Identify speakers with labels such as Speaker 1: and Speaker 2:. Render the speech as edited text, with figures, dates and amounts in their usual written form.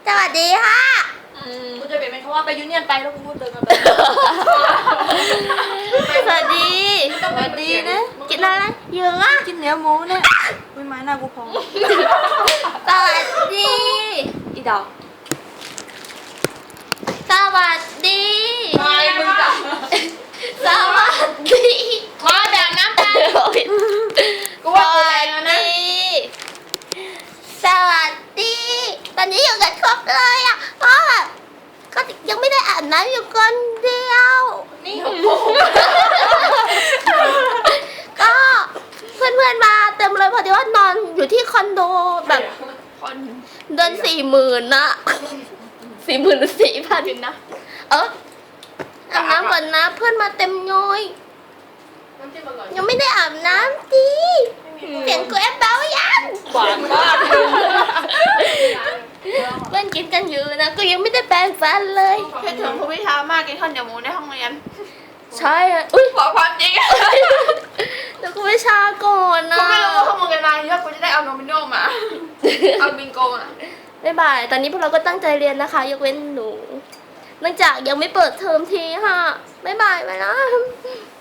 Speaker 1: วัสดีค่ะ
Speaker 2: กูจะเปลี่ยนเป็นคำว่าไปยูเนียนไปแล้วกูพูดเดินมา
Speaker 1: สวัสดีนะกินอะไรเยอะอ่ะ
Speaker 2: กินเนื้อหมูเนี่ยอุ้ยไม้หน้ากูพอง
Speaker 1: สวัสดี
Speaker 2: อีดอก
Speaker 1: สวัสดี
Speaker 2: ไม่มึงจะ
Speaker 1: สวัสดี
Speaker 2: มาแบบน้ำตาลกูว่ากูแรงแล้วนะ
Speaker 1: สวัสดี ตอนนี้อยู่กันครบเลยอ่ะเพราะแบบก็ยังไม่ได้อาบน้ำอยู่คนเดียว
Speaker 2: นี่
Speaker 1: ก็เพื่อนๆมาเต็มเลยพอดีว่านอนอยู่ที่คอนโดแบบเดือน40,000นะ40,000หรือ4,000นะอาบน้ำก่อนนะเพื่อนมาเต็มย้อยยังไม่ได้อาบน้ำดิเสียงกูแอบเบายัง
Speaker 2: หวานมาก
Speaker 1: เพื่อนกินกันอยู่นะก็ยังไม่ได้แปรงฟันเลย
Speaker 3: คิดถึงครูพิชามากกินข้าวเหนียวหมูในห้องเรียน
Speaker 1: ใช่อ่ะอุ้ย
Speaker 3: ขอความจริง
Speaker 1: แล้วก็ไม่ชาก่อนนะ
Speaker 3: กูไม่รู้ว่าข้อมูลกันมาเยอะกูจะได้เอาโนมิโนมาเอาบิงโกมา
Speaker 1: บ๊ายบายตอนนี้พวกเราก็ตั้งใจเรียนนะคะยกเว้นหนูเนื่องจากยังไม่เปิดเทอมทีค่ะบ๊ายบายไปนะ